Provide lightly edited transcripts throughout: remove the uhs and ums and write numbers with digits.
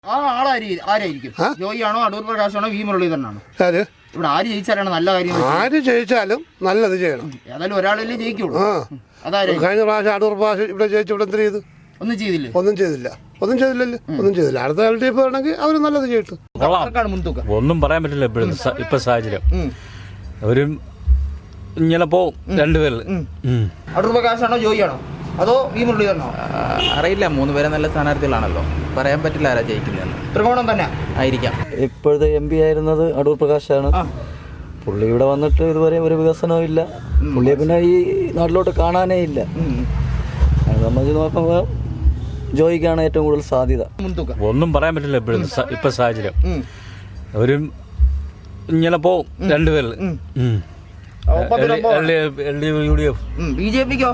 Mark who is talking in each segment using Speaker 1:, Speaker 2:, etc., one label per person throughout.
Speaker 1: ആ ആരായിരിക്കും? ജോയിയാണോ, അടൂർ പ്രകാശാണോ, വി മുരളീധരനാണോ? ഇവിടെ ആര് ജയിച്ചാലാണ് നല്ല കാര്യം?
Speaker 2: ആര് ജയിച്ചാലും നല്ലത് ചെയ്യണം.
Speaker 1: ഏതായാലും ഒരാളല്ലേ ജയിക്കുള്ളൂ.
Speaker 2: കഴിഞ്ഞ പ്രാവശ്യം അടൂർ പ്രകാശം ഇവിടെ ജയിച്ചു. ഇവിടെ എന്ത് ചെയ്തു?
Speaker 1: ഒന്നും ചെയ്തില്ലേ?
Speaker 2: ഒന്നും ചെയ്തില്ല. അടുത്ത LDF ആണെങ്കിൽ അവർ നല്ലത് ചെയ്തിട്ട്.
Speaker 3: ഒന്നും പറയാൻ പറ്റില്ല ഇപ്പൊ സാഹചര്യം. ഒരു ഇങ്ങനെ പോവും രണ്ടുപേരിൽ.
Speaker 1: അടൂർ പ്രകാശാണോ, ജോയിയാണോ, അതോ വി മുരളീധരനോ?
Speaker 4: അറിയില്ല, 3 പേരെ നല്ല സ്ഥാനാർത്ഥികളാണല്ലോ, പറയാൻ പറ്റില്ല ആരാ ജയിക്കുന്നതെന്ന്.
Speaker 1: ത്രികോണം തന്നെ
Speaker 4: ആയിരിക്കാം.
Speaker 5: ഇപ്പോഴത്തെ MP ആയിരുന്നത് അടൂർ പ്രകാശാണ്. പുള്ളി ഇവിടെ വന്നിട്ട് ഇതുവരെ ഒരു വികസനവും ഇല്ല. പുള്ളിയെ പിന്നെ ഈ നാട്ടിലോട്ട് കാണാനേ ഇല്ല. സംബന്ധിച്ച് നോക്കുമ്പോൾ ജോയിക്കാണ് ഏറ്റവും കൂടുതൽ സാധ്യത.
Speaker 3: ഒന്നും പറയാൻ പറ്റില്ല ഇപ്പൊ സാഹചര്യം. ഒരു ഇങ്ങനെ പോവും രണ്ടുപേരിൽ.
Speaker 1: BJPക്കോ?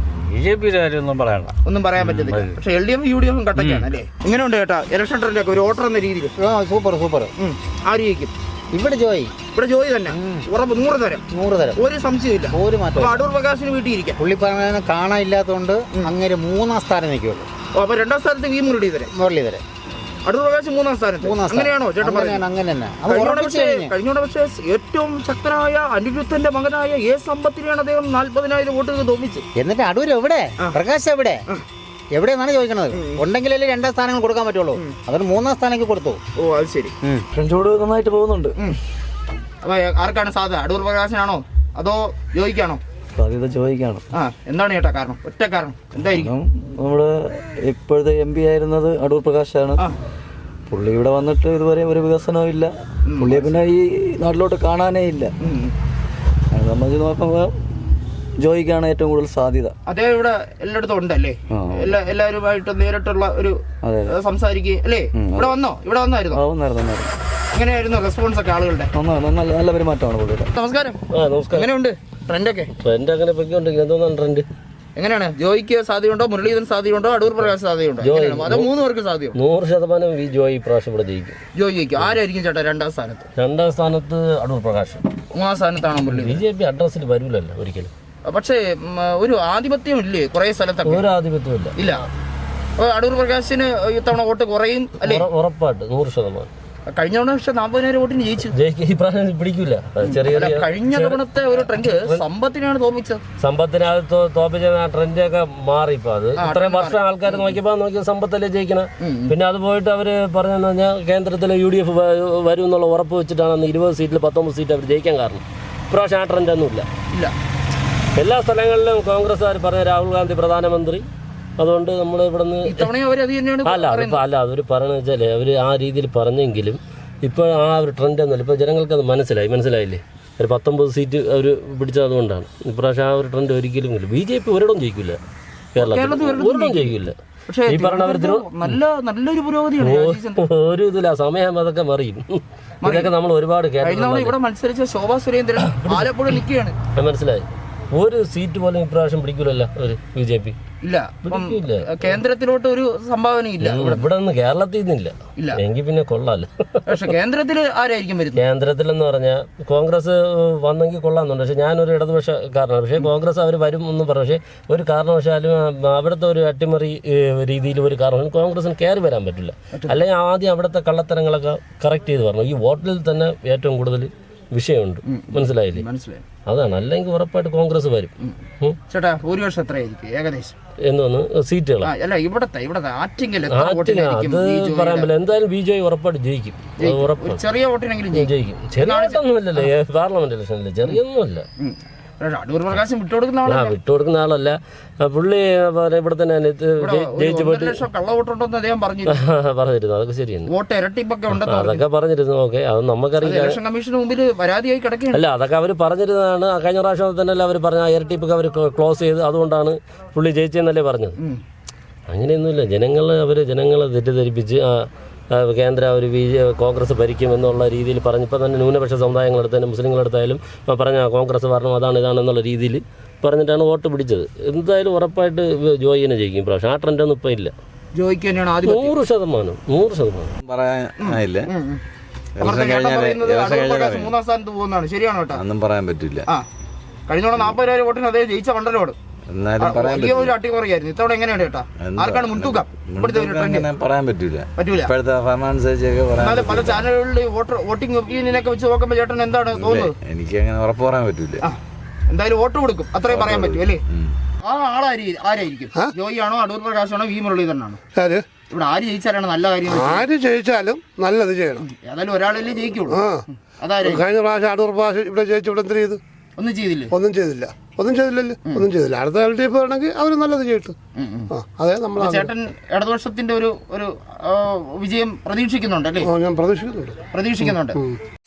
Speaker 3: BJP ഒന്നും പറയണ്ട,
Speaker 1: ഒന്നും പറയാൻ പറ്റത്തില്ല. പക്ഷെ LDF UDF കട്ടക്കാണ് അല്ലേ? എങ്ങനെയുണ്ട് ചേട്ടാ ഇലക്ഷൻ ട്രെൻഡൊക്കെ ഒരു വോട്ടർ എന്ന രീതിയിൽ?
Speaker 5: സൂപ്പർ.
Speaker 1: ആര് ജയിക്കും?
Speaker 5: ഇവിടെ ജോയി തന്നെ.
Speaker 1: ഉറപ്പ് 100 തരം. ഒരു സംശയമില്ല.
Speaker 5: ഒരു മാറ്റം.
Speaker 1: അടൂർ പ്രകാശിന് വീട്ടിയിരിക്കാം.
Speaker 5: പുള്ളി പറഞ്ഞ കാണാനില്ലാത്തതുകൊണ്ട് അങ്ങനെ 3ാം സ്ഥാനം നിൽക്കുള്ളൂ.
Speaker 1: അപ്പൊ 2ാം സ്ഥാനത്ത് വി മുരളീധരൻ. അടൂർ പ്രകാശ് 3ാം സ്ഥാനത്ത്. അങ്ങനെയാണോ ചേട്ടൻ പറയുന്നത്?
Speaker 5: അങ്ങനെ തന്നെ.
Speaker 1: കഴിഞ്ഞ പക്ഷേ ഏറ്റവും ശക്തനായ അനിരുദ്ധന്റെ മകനായ A സമ്പത്തിനെയാണ് അദ്ദേഹം 40,000 വോട്ടുകൾ തോന്നിച്ച്.
Speaker 5: എന്നിട്ട് അടൂർ എവിടെ? പ്രകാശ് എവിടെയെന്നാണ് ചോദിക്കണത്. ഉണ്ടെങ്കിലല്ലേ 2ാം സ്ഥാനങ്ങൾ കൊടുക്കാൻ പറ്റുള്ളൂ. അതൊരു 3ാം സ്ഥാനത്തേക്ക് കൊടുത്തു.
Speaker 1: ഓ അത് ശരി.
Speaker 5: ഫ്രണ്ട്സോട് നന്നായിട്ട് പോകുന്നുണ്ട്.
Speaker 1: അപ്പൊ ആർക്കാണ് സാധ്യത? അടൂർ പ്രകാശനാണോ അതോ ജോയിക്കാണോ?
Speaker 5: സാധ്യത ജോയിക്കാണ്.
Speaker 1: എന്താണ് ചേട്ടാ കാരണം? ഒറ്റ കാരണം എന്തായിരിക്കും?
Speaker 5: നമ്മുടെ ഇപ്പോഴത്തെ MP ആയിരുന്നത് അടൂർ പ്രകാശാണ്. പുള്ളി ഇവിടെ വന്നിട്ട് ഇതുവരെ ഒരു വികസനവും ഇല്ല. പുള്ളിയെ പിന്നെ ഈ നാട്ടിലോട്ട് കാണാനേ ഇല്ല. സംബന്ധിച്ച് നോക്കുമ്പോൾ ജോയിക്കാണ് ഏറ്റവും കൂടുതൽ സാധ്യത.
Speaker 1: അദ്ദേഹം ഇവിടെ എല്ലായിടത്തും ഉണ്ടല്ലേ? എല്ലാവരുമായിട്ട് നേരിട്ടുള്ള ഒരു സംസാരിക്കുക അല്ലേ? ഇവിടെ വന്നായിരുന്നു. എങ്ങനെയായിരുന്നു റെസ്പോൺസ് ഒക്കെ ആളുകളുടെ?
Speaker 5: നല്ല പെരുമാറ്റമാണ് പുള്ളിയുടെ.
Speaker 1: നമസ്കാരം. എങ്ങനെയുണ്ട് ട്രെൻഡൊക്കെ?
Speaker 5: ട്രെൻഡ് അങ്ങനെ പൊയ്ക്കൊണ്ടിരിക്കുന്നത്. എന്തോന്നാണ് ട്രെൻഡ്?
Speaker 1: എങ്ങനെയാണ്? ജോയിക്ക് സാധ്യതയുണ്ടോ, മുരളീധരൻ സാധ്യതയുണ്ടോ, അടൂർ പ്രകാശ് സാധ്യതയുണ്ടോ? അത് 3 പേർക്ക് സാധ്യത.
Speaker 5: 100% ജോയി പ്രാവശ്യം ഇവിടെ ജയിക്കും.
Speaker 1: ജോയി ജയിക്കും. ആരായിരിക്കും ചേട്ടാ 2ാം സ്ഥാനത്ത്?
Speaker 5: 2ാം സ്ഥാനത്ത് അടൂർ പ്രകാശ്.
Speaker 1: 3ാം സ്ഥാനത്താണോ മുരളീധരൻ?
Speaker 5: BJP അഡ്രസ്സിൽ വരൂലല്ലോ ഒരിക്കലും.
Speaker 1: പക്ഷേ ഒരു ആധിപത്യം ഇല്ലേ കുറെ സ്ഥലത്തൊക്കെ?
Speaker 5: ഒരു ആധിപത്യം ഇല്ല.
Speaker 1: അപ്പൊ അടൂർ പ്രകാശിന് ഇത്തവണ വോട്ട് കുറയും അല്ലേ?
Speaker 5: ഉറപ്പായിട്ട് 100%.
Speaker 1: കഴിഞ്ഞ തവണ പക്ഷെ 40,000 വോട്ടിന് ജയിച്ചു.
Speaker 5: ഈ പ്രാവശ്യം പിടിക്കൂല.
Speaker 1: കഴിഞ്ഞ തവണത്തെ ഒരു ട്രെൻഡ് സമ്പത്തിനാണ് തോപ്പിച്ചത്.
Speaker 5: സമ്പത്തിനകത്ത് തോപ്പിച്ച ട്രെൻഡൊക്കെ മാറി. ഇപ്പൊ അത് ഇത്രയും വർഷം ആൾക്കാർ നോക്കിയ സമ്പത്തല്ലേ ജയിക്കണം. പിന്നെ അത് പോയിട്ട് അവര് പറഞ്ഞെന്ന് പറഞ്ഞാൽ കേന്ദ്രത്തിലെ UDF വരും എന്നുള്ള ഉറപ്പ് വെച്ചിട്ടാണ് അന്ന് 20 സീറ്റിൽ 19 സീറ്റ് അവർ ജയിക്കാൻ കാരണം. ഇപ്രാവശ്യം ആ ട്രെൻഡ് ഒന്നും ഇല്ല. എല്ലാ സ്ഥലങ്ങളിലും കോൺഗ്രസ്സുകാർ പറഞ്ഞ രാഹുൽ ഗാന്ധി പ്രധാനമന്ത്രി. അതുകൊണ്ട് നമ്മൾ ഇവിടെ നിന്ന് അതൊരു പറയണെന്ന് വെച്ചാൽ അവർ ആ രീതിയിൽ പറഞ്ഞെങ്കിലും ഇപ്പോൾ ആ ഒരു ട്രെൻഡ് ഒന്നുമില്ല. ഇപ്പോൾ ജനങ്ങൾക്ക് അത് മനസ്സിലായില്ലേ? ഒരു 19 സീറ്റ് അവർ പിടിച്ചതുകൊണ്ടാണ്. ഇപ്രാവശ്യം ആ ഒരു ട്രെൻഡ് ഒരിക്കലും ഇല്ല. BJP ഒരിടം ജയിക്കില്ല. കേരളത്തിൽ ഒരിടം ജയിക്കില്ല. ഈ പറഞ്ഞവർ
Speaker 1: നല്ലൊരു പുരോഗതിയാണ്.
Speaker 5: ഒരു ഇതില്ല, സമയം അതൊക്കെ മറിയും. ഇതൊക്കെ നമ്മൾ ഒരുപാട്
Speaker 1: ഇവിടെ മത്സരിച്ച ശോഭാ സുരേന്ദ്രൻ ആലപ്പുഴ നിൽക്കുകയാണ്.
Speaker 5: മനസ്സിലായി. ഒരു സീറ്റ് പോലും ഇപ്രാവശ്യം പിടിക്കൂലല്ലോ ഒരു BJP.
Speaker 1: ഇല്ല. കേന്ദ്രത്തിലോട്ട് ഒരു സംഭാവന ഇല്ല.
Speaker 5: ഇവിടെ നിന്ന് കേരളത്തിൽ നിന്നില്ല. എങ്കിൽ പിന്നെ കൊള്ളാലോ.
Speaker 1: പക്ഷെ കേന്ദ്രത്തിൽ ആരായിരിക്കും വരുന്നത്?
Speaker 5: കേന്ദ്രത്തിലെന്ന് പറഞ്ഞാൽ കോൺഗ്രസ് വന്നെങ്കിൽ കൊള്ളാമെന്നുണ്ട്. പക്ഷെ ഞാനൊരു ഇടതുപക്ഷക്കാരനാണ്. പക്ഷേ കോൺഗ്രസ് അവർ വരും എന്നും പറഞ്ഞു. പക്ഷേ ഒരു കാരണവശാലും അവിടുത്തെ ഒരു അട്ടിമറി രീതിയിൽ ഒരു കാരണവശാലും കോൺഗ്രസിന് കയറി വരാൻ പറ്റില്ല. അല്ലെങ്കിൽ ആദ്യം അവിടുത്തെ കള്ളത്തരങ്ങളൊക്കെ കറക്റ്റ് ചെയ്ത് പറഞ്ഞു. ഈ വോട്ടിൽ തന്നെ ഏറ്റവും കൂടുതൽ വിഷയമുണ്ട്. മനസ്സിലായില്ലേ? അതാണ്. അല്ലെങ്കിൽ ഉറപ്പായിട്ട് കോൺഗ്രസ് വരും.
Speaker 1: ചേട്ടാ ഭൂരിപക്ഷം എത്രയായിരിക്കും ഏകദേശം?
Speaker 5: എന്തോന്ന് സീറ്റുകൾ?
Speaker 1: അല്ല ഇവിടത്തെ
Speaker 5: ആറ്റിങ്ങൽ അത് പറയാൻ പറ്റില്ല. എന്തായാലും BJP ഉറപ്പായിട്ട് ജയിക്കും.
Speaker 1: ചെറിയ വോട്ടിനെങ്കിലും
Speaker 5: ജയിക്കും. ചെറിയ വോട്ടൊന്നുമില്ലല്ലോ പാർലമെന്റ് ഇലക്ഷനിൽ. ചെറിയൊന്നുമില്ല.
Speaker 1: അടൂർ പ്രകാശം വിട്ടുകൊടുക്കുന്ന
Speaker 5: ആളല്ല പുള്ളി. ഇവിടെ തന്നെ ജയിച്ചു പോയിട്ട്
Speaker 1: കള്ളവോട്ടുണ്ടെന്ന് അദ്ദേഹം
Speaker 5: പറഞ്ഞിരുന്നു. അതൊക്കെ ശരിയാണ്.
Speaker 1: വോട്ട് ഇരട്ടിപ്പൊക്കെ ഉണ്ടെന്ന്
Speaker 5: അതൊക്കെ പറഞ്ഞിരുന്നു. ഓക്കെ, അത് നമുക്കറിയില്ല.
Speaker 1: ഇലക്ഷൻ കമ്മീഷന് മുമ്പിൽ പരാതിയായി കിടക്കുകയാണ്.
Speaker 5: അല്ല, അതൊക്കെ അവർ പറഞ്ഞിരുന്നതാണ്. കഴിഞ്ഞ പ്രാവശ്യം തന്നെ അവർ പറഞ്ഞ ഇരട്ടിപ്പൊക്കെ അവർ ക്ലോസ് ചെയ്ത് അതുകൊണ്ടാണ് പുള്ളി ജയിച്ചതെന്നല്ലേ പറഞ്ഞത്. അങ്ങനെയൊന്നുമില്ല. ജനങ്ങളെ തെറ്റിദ്ധരിപ്പിച്ച് കേന്ദ്ര ഒരു കോൺഗ്രസ് ഭരിക്കും എന്നുള്ള രീതിയിൽ പറഞ്ഞപ്പോൾ തന്നെ ന്യൂനപക്ഷ സമുദായങ്ങളെടുത്താലും മുസ്ലിങ്ങളെടുത്തായാലും പറഞ്ഞ കോൺഗ്രസ് ഭരണം ഇതാണെന്നുള്ള രീതിയിൽ പറഞ്ഞിട്ടാണ് വോട്ട് പിടിച്ചത്. എന്തായാലും ഉറപ്പായിട്ട് ജോയിനെ ജയിക്കും പ്രാവശ്യം. ആ ട്രെൻഡൊന്നും ഇപ്പം ഇല്ല.
Speaker 1: ജോയിക്ക് തന്നെയാണ്
Speaker 5: 100%
Speaker 6: പറയാനില്ല.
Speaker 1: മൂന്നാം സ്ഥാനത്ത് പോകുന്നതാണ്. ശരിയാണോ?
Speaker 6: ഒന്നും പറയാൻ പറ്റില്ല.
Speaker 1: കഴിഞ്ഞ 40,000 വോട്ടിന് അദ്ദേഹം ജയിച്ച മണ്ഡലമാണ്.
Speaker 6: എന്നാലും പറയാൻ
Speaker 1: വലിയ ഒരു അട്ടിമറിയായിരുന്നു. ഇത്തവണ എങ്ങനെയാണ് ചേട്ടാ? ആർക്കാണ് മുൻതൂക്കം? ഇവിടുത്തെ ഒരു ട്രെൻഡ്
Speaker 6: അങ്ങനെ പറയാൻ പറ്റൂല.
Speaker 1: പറ്റൂല.
Speaker 6: ഇപ്പോഴത്തെ ഫലം അനുസരിച്ചൊക്കെ പറയാൻ
Speaker 1: എന്നാലും പല ചാനലുകളിൽ വോട്ടിംഗ് ഒപ്പീനിയനൊക്കെ വെച്ച് നോക്കുമ്പോൾ ചേട്ടൻ എന്താണ് തോന്നുന്നത്?
Speaker 6: എനിക്ക് അങ്ങനെ ഉറപ്പ് പറയാൻ പറ്റൂല.
Speaker 1: എന്തായാലും വോട്ട് കൊടുക്കും, അത്രയും പറയാൻ പറ്റും അല്ലേ? ആ ആരായിരിക്കും? ജോയി ആണോ, അടൂർ പ്രകാശാണോ, വി മുരളീധരനാണോ? ഇവിടെ ആര് ജയിച്ചാലാണ് നല്ല കാര്യം?
Speaker 2: ആര് ജയിച്ചാലും നല്ലത് ചെയ്യണം.
Speaker 1: ഏതായാലും ഒരാളല്ലേ ജയിക്കുള്ളൂ.
Speaker 2: കഴിഞ്ഞ പ്രാവശ്യം അടൂർ പ്രാവശ്യം ഇവിടെ ജയിച്ചു, ഇവിടെ എന്ത് ചെയ്തു?
Speaker 1: ഒന്നും ചെയ്തില്ലേ?
Speaker 2: ഒന്നും ചെയ്തില്ലല്ലോ. അടുത്ത LDF ആണെങ്കിൽ അവർ നല്ലത് ചെയ്തിട്ട്. അതെ, നമ്മൾ
Speaker 1: ചേട്ടൻ ഇടതുപക്ഷത്തിന്റെ ഒരു വിജയം പ്രതീക്ഷിക്കുന്നുണ്ട് അല്ലേ?
Speaker 2: ഞാൻ പ്രതീക്ഷിക്കുന്നുണ്ട്.